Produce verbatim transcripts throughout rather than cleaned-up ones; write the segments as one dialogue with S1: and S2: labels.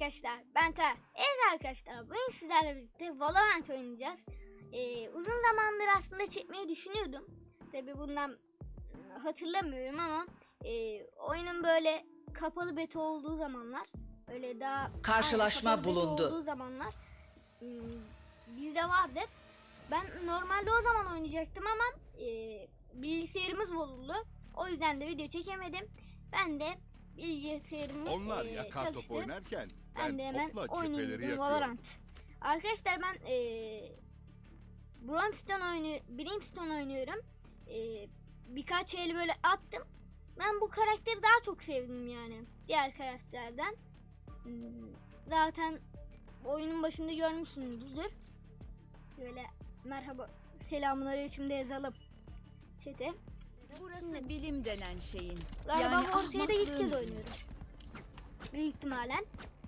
S1: arkadaşlar, ben Ta. Evet arkadaşlar, bugün sizlerle birlikte Valorant oynayacağız. Ee, uzun zamandır aslında çekmeyi düşünüyordum. Tabi bundan hatırlamıyorum ama e, oyunun böyle kapalı beta olduğu zamanlar, öyle daha
S2: karşılaşma
S1: aynen,
S2: bulundu.
S1: olduğu zamanlar ım, bizde vardı. Ben normalde o zaman oynayacaktım ama e, bilgisayarımız bozuldu. O yüzden de video çekemedim. Ben de bilgisayarımız
S3: Onlar
S1: e,
S3: yakar top
S1: çalıştı.
S3: oynarken
S1: Ben
S3: ben,
S1: de hemen
S3: topla
S1: oynayayım
S3: cepheleri
S1: dedim
S3: yakıyorum.
S1: Valorant. Arkadaşlar ben e, Brimstone oynuyorum. Brimstone oynuyorum. E, birkaç el böyle attım. Ben bu karakteri daha çok sevdim yani diğer karakterden. Hmm, Zaten oyunun başında görmüşsünüzdür. Böyle merhaba, selamünaleyküm de yazalım chat'e.
S2: Burası bilim denen şeyin.
S1: Galiba
S2: yani
S1: bu ortaya da ilk kez
S2: ahmaklığın.
S1: oynuyorum. Büyük ihtimalen.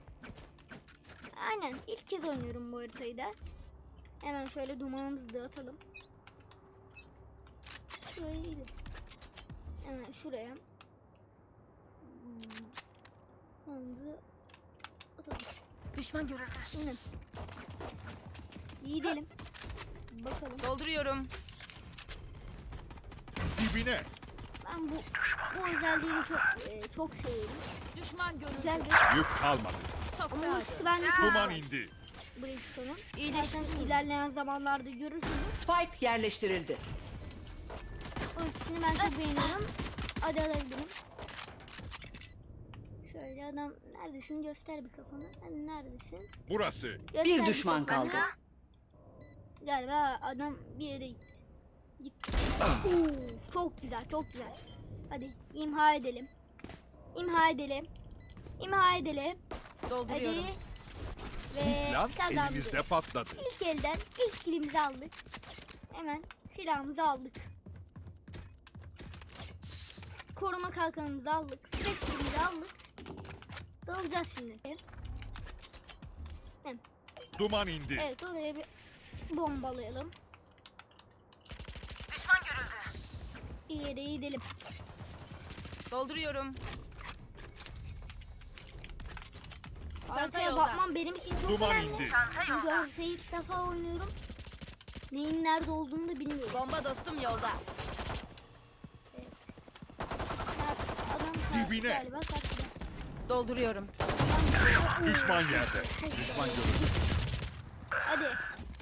S1: Aynen ilk kez oynuyorum bu haritayı da. Hemen şöyle dumanımızı dağıtalım. Şuraya gidelim. Hemen şuraya. Hmm. Dumanımızı atalım.
S2: Düşman görüldü.
S1: Şimdi. Gidelim. Bakalım.
S2: Dolduruyorum.
S3: Dibine.
S1: Ben bu bu özelliğini çok e, çok seviyorum.
S2: Düşman görüldü.
S1: Güzel bir
S3: Yük kalmadı.
S1: ama
S2: Toprağa
S1: ultisi bence çok
S3: Duman indi.
S1: Brimstone'un.
S2: İyileşti.
S1: Zaten ilerleyen zamanlarda görürsünüz.
S2: Spike yerleştirildi.
S1: Ultisini ben çok beğeniyorum. Hadi alabilirim. Şöyle adam neredesin, göster bir kafanı. Hani neredesin?
S3: Burası.
S1: Göster
S2: Bir düşman
S1: kafanı.
S2: kaldı.
S1: Galiba adam bir yere gitti. Gitti. Uf, çok güzel, çok güzel. Hadi imha edelim. İmha edelim. İmha edelim.
S2: Dolduruyorum.
S1: Hadi. Ve
S3: Plan
S1: kazandık.
S3: elimizde patladı.
S1: İlk elden ilk kilimizi aldık. Hemen silahımızı aldık. Koruma kalkanımızı aldık. Sürekli aldık. Dalacağız şimdi. Evet.
S3: Duman indi.
S1: Evet, oraya bir bombalayalım.
S2: Düşman görüldü.
S1: Bir yere gidelim.
S2: Dolduruyorum.
S1: Haritaya
S2: yolda.
S1: bakmam benim için çok
S3: Duman
S1: önemli.
S3: indi.
S1: Çünkü haritayı ilk defa oynuyorum. Neyin nerede olduğunu da bilmiyorum.
S2: Bomba dostum yolda.
S1: Adam
S3: Dibine.
S1: galiba kaçtı.
S2: Dolduruyorum.
S3: Düşman yerde. Düşman görüldü.
S1: Hadi.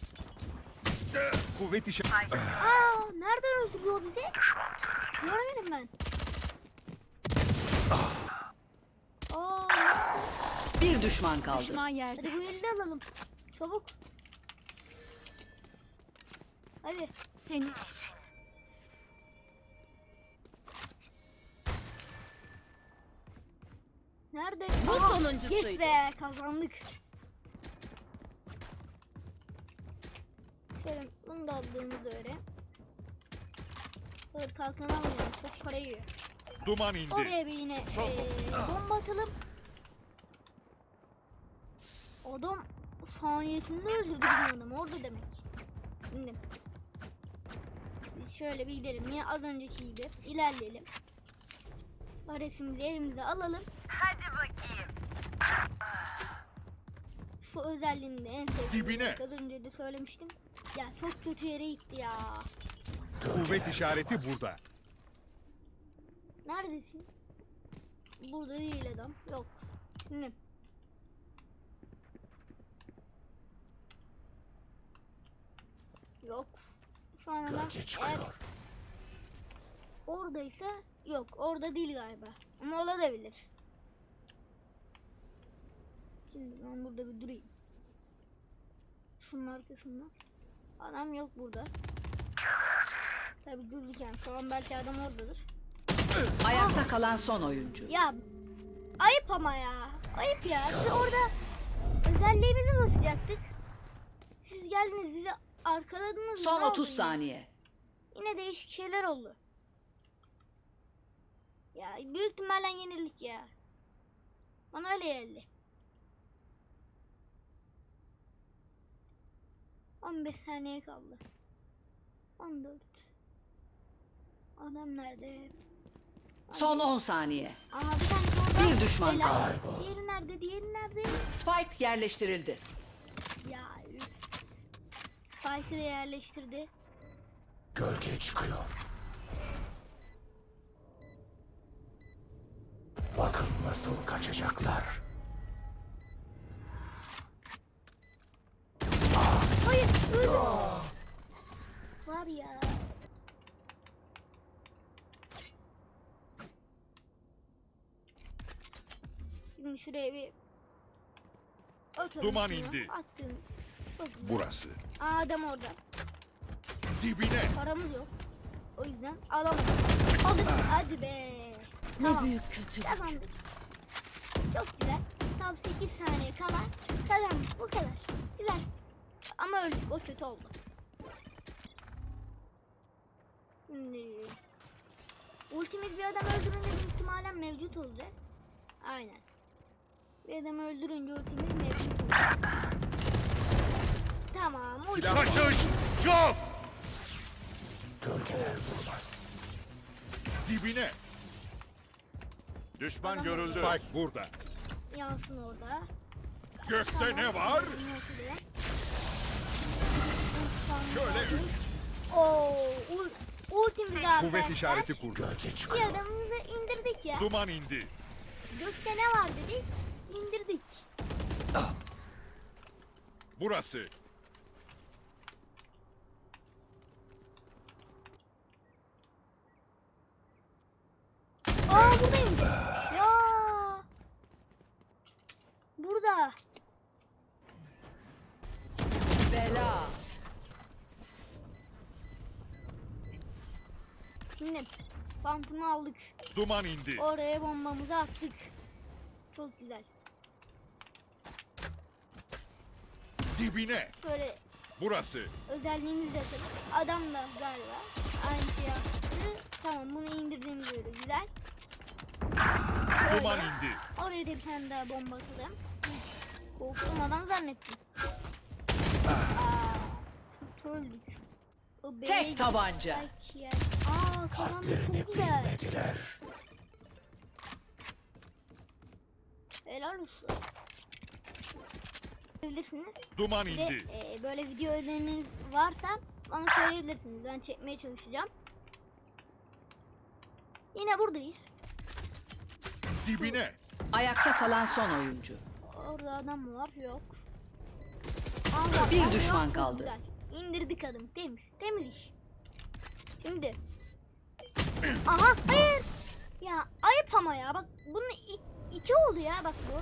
S3: Kuvvet işe...
S1: Aa, nereden öldürüyor bizi? Görmedim ben. Aa,
S2: Bir düşman kaldı. Düşman yerde.
S1: hadi bu eli de alalım. Çabuk. Hadi.
S2: Senin için.
S1: Nerede?
S2: Bu
S1: Aha,
S2: sonuncusuydu.
S1: Yes be, kazandık. Şöyle bunu da aldığımızda öyle. Dur, kalkanı almayalım. Çok para yiyor.
S3: Duman indi.
S1: Oraya bir yine eee, bomba atalım. Adam saniyesinde öldürdü bizim adamı. Orada demek. Şimdi biz şöyle bir gidelim. Yine az önceki gibi ilerleyelim. Resmimizi elimize alalım.
S2: Hadi bakayım.
S1: Şu özelliğini de en sevdiğim.
S3: Dibine.
S1: Az önce de söylemiştim. Ya çok kötü yere gitti ya.
S3: Kuvvet işareti burada.
S1: Neredesin? Burada değil adam. Yok. Şimdi. Yok. Şu an adam eğer oradaysa yok. Orada değil galiba. Ama olabilir. Şimdi ben burada bir durayım. Şunun arkasında. Adam yok burada. Tabii dururken şu an belki adam oradadır.
S2: Ayakta kalan son oyuncu.
S1: Ya ayıp ama ya. Ayıp ya. Biz orada özelliğimizi basacaktık. Siz geldiniz bizi arkaladınız.
S2: Son
S1: Ne oldu
S2: otuz
S1: yine?
S2: saniye.
S1: Yine değişik şeyler oldu. Ya büyük ihtimalle yenildik ya. Bana öyle geldi. on beş saniye kaldı. on dört. Adam nerede?
S2: Son on saniye.
S1: Aha bir tane
S2: Bir düşman
S1: Helal.
S2: kaldı.
S1: Diğeri nerede? Diğeri nerede?
S2: Spike yerleştirildi.
S1: Ya üf. Spike'ı da yerleştirdi.
S4: Gölge çıkıyor. Bakın nasıl kaçacaklar.
S1: Hayır. Öldü. Var ya. Şimdi şuraya bir atalım.
S3: Duman
S1: şunu.
S3: indi.
S1: Attım. Çok güzel.
S3: Burası.
S1: Aa, adam orada.
S3: Dibine.
S1: Paramız yok. O yüzden alamadım. Aldık. Hadi be. Tamam.
S2: büyük kötü.
S1: Kazandık. Çok güzel. Tam sekiz saniye kala kazandık. Bu kadar. Güzel. Ama öldük. O kötü oldu. Şimdi ultimiz bir adam öldürünce büyük ihtimalle mevcut olacak. Aynen. Bir adam öldürünce ultimiz mevcut olacak. Tamam. ulti-
S3: Silah kaçış yok.
S4: Gölgeler durmaz.
S3: Dibine. Düşman
S1: Adam
S3: görüldü. Spike burada.
S1: Yansın orada.
S3: Gökte ne var? Şöyle üç.
S1: Oo, ul ultimiz arkadaşlar.
S3: Kuvvet işareti kurdu.
S4: Gölge
S1: Bir
S4: çıkıyor.
S1: adamımızı indirdik ya.
S3: Duman indi.
S1: Gökte ne var dedik, indirdik.
S3: Burası.
S1: Aa, buradayım. Ya. Burada.
S2: Bela.
S1: Şimdi Phantom'u aldık.
S3: Duman indi.
S1: Oraya bombamızı attık. Çok güzel.
S3: Dibine.
S1: Şöyle
S3: Burası.
S1: özelliğimizi de atalım. Adam da galiba aynı şey yaptı. Tamam, bunu indirdiğimiz göre güzel. Şöyle.
S3: Duman indi.
S1: Oraya da bir tane daha bomba atalım. Korktum, adam zannettim. Aa, çok öldük. O B'ye
S2: Tek tabanca.
S1: gittik ya. Aa, kazandık,
S4: Hadlerini
S1: çok güzel.
S4: bilmediler.
S1: Helal olsun. Bilirsiniz.
S3: Duman
S1: Bir de
S3: indi.
S1: e, böyle video öneriniz varsa bana söyleyebilirsiniz. Ben çekmeye çalışacağım. Yine buradayız.
S3: Dibine.
S2: Ayakta kalan son oyuncu.
S1: Orada adam mı var? Yok. Allah,
S2: Bir
S1: Allah,
S2: düşman
S1: çok
S2: kaldı.
S1: güzel. İndirdik adım. Temiz. Temiz iş. Şimdi. Aha, hayır. Ya ayıp ama ya. Bak bunun i- iki oldu ya. Bak bu.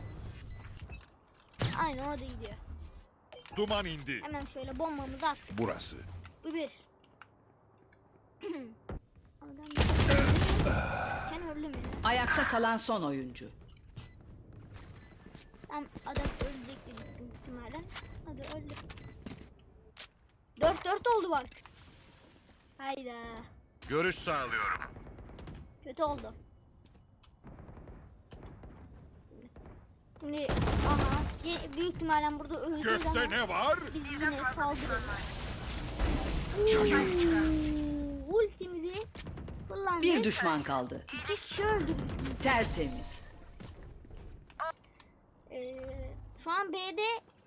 S1: Aynen, o da gidiyor.
S3: Duman indi.
S1: Hemen şöyle bombamızı at.
S3: Burası.
S1: Bu bir. Adam Sen öldü mü?
S2: Ayakta kalan son oyuncu.
S1: Tam adam ölecek büyük ihtimalle. Hadi öldü. Dört dört oldu bak. Hayda.
S3: Görüş sağlıyorum.
S1: Kötü oldu. Şimdi aha ye- büyük ihtimalle burada öleceğiz ama
S3: Gökte ne var?
S1: biz yine saldırırız.
S3: Cayır.
S1: Oo, ultimizi kullandık.
S2: Bir düşman kaldı.
S1: İki kişi öldürdük.
S2: Tertemiz.
S1: Ee, şu an B'de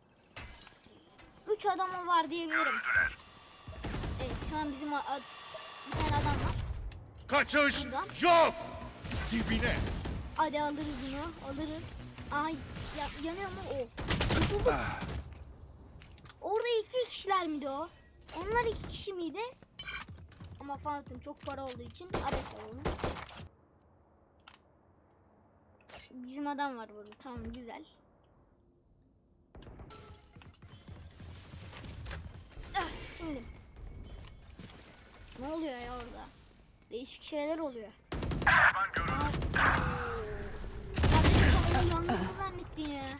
S1: üç adamı var diyebilirim. Evet, şu an bizim a- a- bir tane adam var.
S3: Kaçış
S1: Buradan.
S3: yok. Dibine.
S1: Hadi alırız bunu, alırız. Ay, ya, yanıyor mu o? Kurtulduk. Orada iki kişiler miydi o? Onlar iki kişi miydi? Ama Phantom çok para olduğu için adet alalım. Bizim adam var burada, tamam, güzel. Ah, şimdi. Ne oluyor ya orada? Değişik şeyler oluyor. Aa, Kardeşim, yalnız mı zannettin ya?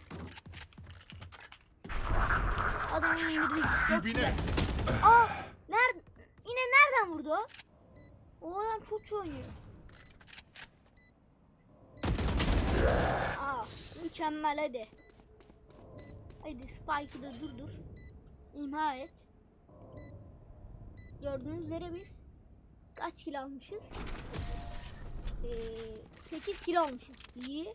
S1: Adamı indirdik. Çok
S3: Dibine.
S1: güzel. Aa, nerede? Yine nereden vurdu o? O adam çok iyi oynuyor. Aa, mükemmel, hadi. Hadi Spike'ı da durdur. İmha et. Gördüğünüz üzere biz kaç kill almışız? Ee, sekiz kilo olmuşuz. İyi.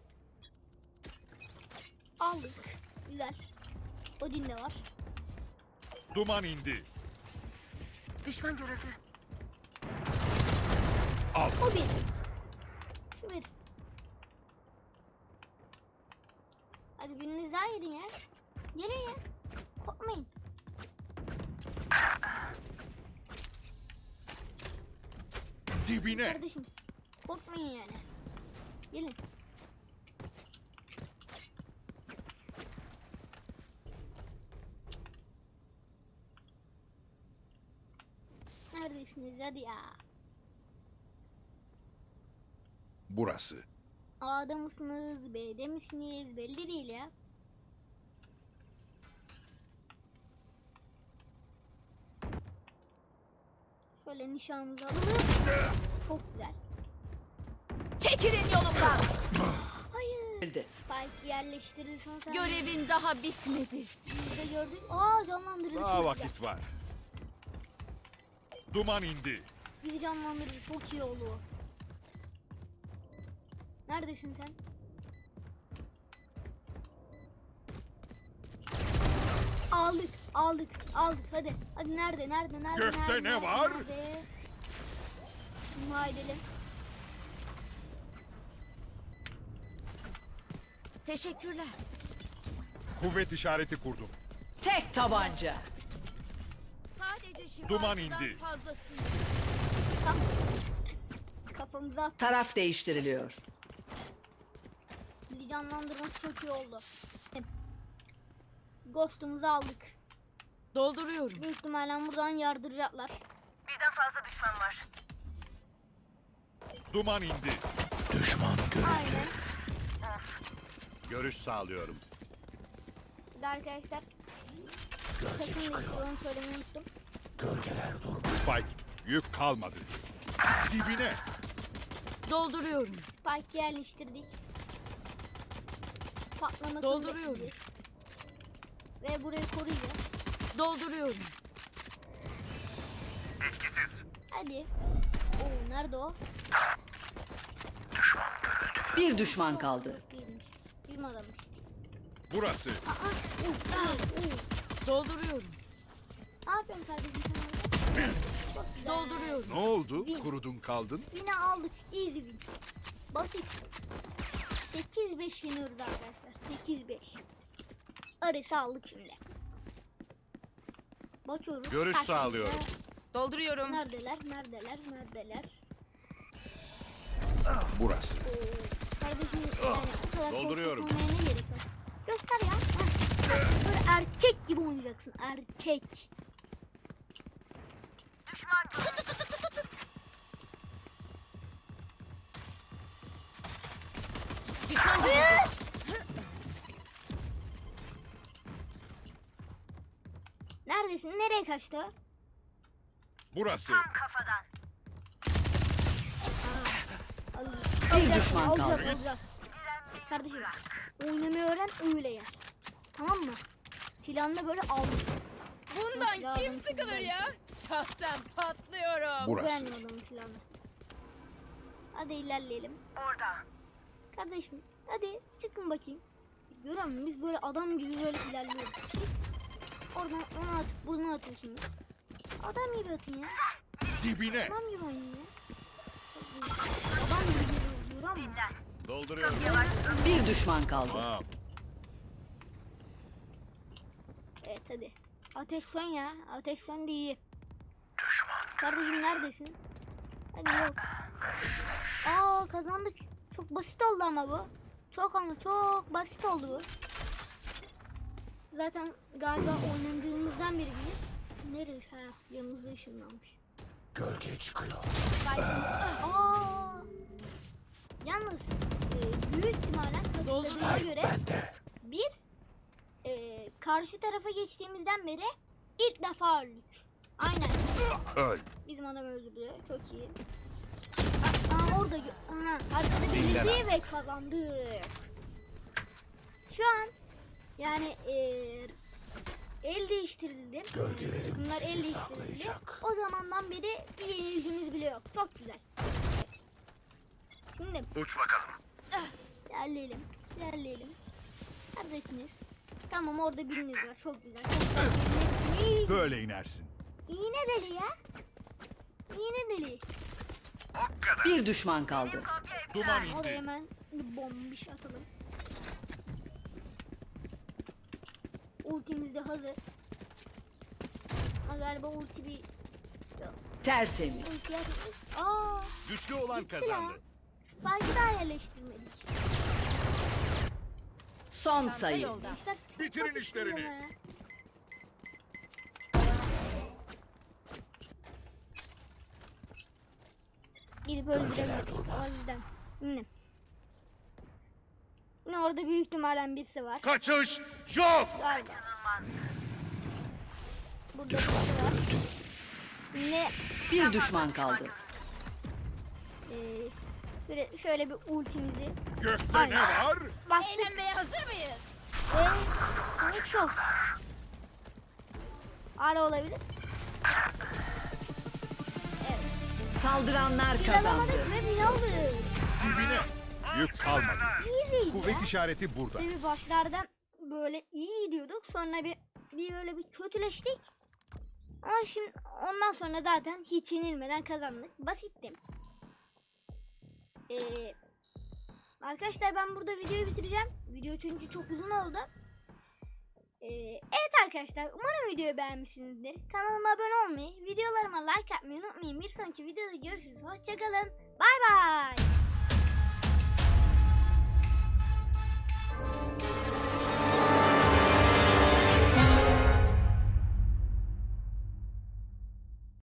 S1: Aldık. Güzel. Odin de var.
S3: Duman indi.
S5: Düşman görüldü.
S3: Al.
S1: O bir. Şu bir. Hadi biriniz daha yerin ya. Gelin ya. Korkmayın.
S3: Dibine.
S1: Kardeşim. Korkmayın yani. Gelin. Neredesiniz hadi ya.
S3: Burası.
S1: A'da mısınız, B'de misiniz belli değil ya. Şöyle nişanımızı alalım. Çok güzel.
S5: Çekilin yolumdan.
S1: Hayır.
S2: Öldü.
S1: Spike yerleştirildi sonra.
S5: Görevin daha bitmedi.
S1: Biz de gördük. Aa canlandırdı.
S3: Daha
S1: çok
S3: vakit
S1: güzel.
S3: var. Duman indi.
S1: Bizi canlandırdı. Çok iyi oldu. Neredesin sen? Aldık, aldık, aldık. Hadi, hadi nerede, nerede, nerede,
S3: Gökte
S1: nerede,
S3: ne
S1: nerede,
S3: var?
S1: Nerede? İmha edelim.
S5: Teşekkürler.
S3: Kuvvet işareti kurdum.
S2: Tek tabanca.
S5: Sadece şifacıdan
S3: Duman indi.
S5: fazlası.
S1: Tam kafamıza at.
S2: Taraf değiştiriliyor.
S1: Bizi canlandırması çok iyi oldu. Ghost'umuzu aldık.
S5: Dolduruyorum.
S1: Büyük ihtimalle buradan yardıracaklar.
S5: Birden fazla düşman var.
S3: Duman indi.
S4: Düşman görüldü.
S1: Aynen.
S3: Görüş sağlıyorum.
S1: Bir de arkadaşlar
S4: Gölge
S1: takım
S4: çıkıyor.
S1: bekliyor, onu söylemeyi unuttum.
S4: Gölgeler durmaz.
S3: Spike. Yük kalmadı. Dibine.
S5: Dolduruyorum.
S1: Spike yerleştirdik. Patlamasını
S5: Dolduruyorum.
S1: bekleyeceğiz. Ve burayı koruyacağız.
S5: Dolduruyorum.
S1: Hadi. Oo nerede o?
S2: Bir düşman kaldı.
S1: Değilmiş. Bir mi adammış?
S3: Burası.
S1: Aa, uf, uf, uf.
S5: Dolduruyorum.
S1: Ne yapıyorsun kardeşim sen orada? Çok güzel.
S5: Dolduruyorum.
S3: Ne oldu?
S1: Win.
S3: Kurudun kaldın.
S1: Yine aldık. Easy win. Basit. sekiz beş yeniyoruz arkadaşlar. sekiz beş. Arası aldık şimdi. Bakıyoruz.
S3: Görüş
S1: Karşımızda-
S3: sağlıyorum.
S5: Dolduruyorum.
S1: Neredeler? Neredeler? Neredeler?
S3: Burası.
S1: Oo, kardeşim yani o kadar
S3: Dolduruyorum.
S1: korkutmaya ne gerek var? Göster ya. Heh. Böyle erkek gibi oynayacaksın. Erkek.
S5: Düşman görüldü.
S1: Neredesin? Nereye kaçtı? o?
S3: Burası.
S2: Bir düşman kaldı.
S1: Alacağız, alacağız. Kardeşim oynamayı öğren öyle ya. Tamam mı? Silahını da böyle al.
S5: Bundan
S1: Silahını
S5: kim sıkılır
S1: silahını.
S5: ya? Şahsen patlıyorum.
S3: Burası.
S1: Beğendim adamın silahını. Hadi ilerleyelim.
S5: Orada.
S1: Kardeşim hadi çıkın bakayım. Görüyor musun? Biz böyle adam gibi böyle ilerliyoruz. Siz oradan onu atıp bunu atıyorsunuz. Adam gibi atın ya.
S3: Dibine.
S1: Adam gibi oynayın ya. Adam gibi geliyor diyor ama.
S3: Dolduruyorum.
S2: Bir düşman kaldı.
S3: Tamam.
S1: Evet hadi. Ateş sön ya. Ateş sön de iyi. Kardeşim neredesin? Hadi yok. Aa kazandık. Çok basit oldu ama bu. Çok ama çok basit oldu bu. Zaten galiba oynadığımızdan beri biliyoruz. Nereye? Ha, yanımızda ışınlanmış.
S4: Gölge çıkıyor.
S1: Aa! Yalnız e, büyük ihtimalle hatırladığıma
S4: Spike
S1: göre
S4: bende.
S1: biz e, karşı tarafa geçtiğimizden beri ilk defa öldük. Aynen.
S3: Öl.
S1: Bizim adam öldürdü. Çok iyi. Aa, orada gö- aha, arkada
S3: Dinlen
S1: belirdi ve kazandık. Şu an yani e, el değiştirildi.
S4: Gölgelerim
S1: Bunlar el
S4: sizi
S1: değiştirildi.
S4: saklayacak.
S1: O zamandan beri bir yenilgimiz bile yok. Çok güzel. Şimdi İndim.
S3: Uç bakalım.
S1: İlerleyelim. İlerleyelim. Neredesiniz? Tamam, orada biriniz var. Çok güzel. Çok güzel.
S3: Böyle inersin.
S1: İğne deli ya. İğne deli.
S2: Bir düşman kaldı.
S3: Duman
S1: Oraya
S3: indi.
S1: hemen bir bomba bir şey atalım. Ultimiz de hazır. Ama galiba ulti bir...
S2: Tertemiz.
S1: Ulti yapıyoruz. Aaa.
S3: Güçlü olan
S1: Gitti ya.
S3: kazandı.
S1: Spike'ı daha yerleştirmedik.
S2: Son
S5: Çanta
S2: sayı.
S5: yolda.
S1: Gençler çok
S3: Bitirin
S1: basit
S3: işlerini.
S1: ama ya. Gidip öldürelim. O yüzden. Yine. Yine orada büyük ihtimalle birisi var.
S3: Kaçış yok.
S1: Galiba. Burada
S4: Düşman
S1: birisi var.
S4: görüldü.
S1: Yine
S2: Bir düşman kaldı.
S1: eee böyle şöyle bir ultimizi
S3: Gökte
S1: Aynen.
S3: ne var?
S1: bastık
S5: Eğlenmeye hazır mıyız?
S1: ve ne çok. Ara olabilir. Evet.
S2: Saldıranlar
S1: Bir
S2: kazandı.
S1: alamadık ve bir aldık.
S3: Dibine. Yük kalmadı.
S1: İyiydi ya.
S3: Kuvvet işareti burada.
S1: Bir başlardan böyle iyi gidiyorduk. Sonra bir bir böyle bir kötüleştik. Ama şimdi ondan sonra zaten hiç yenilmeden kazandık. Basitti. Ee, arkadaşlar ben burada videoyu bitireceğim. Video çünkü çok uzun oldu. Ee, evet arkadaşlar, umarım videoyu beğenmişsinizdir. Kanalıma abone olmayı, videolarıma like atmayı unutmayın. Bir sonraki videoda görüşürüz. Hoşçakalın. Bay bay.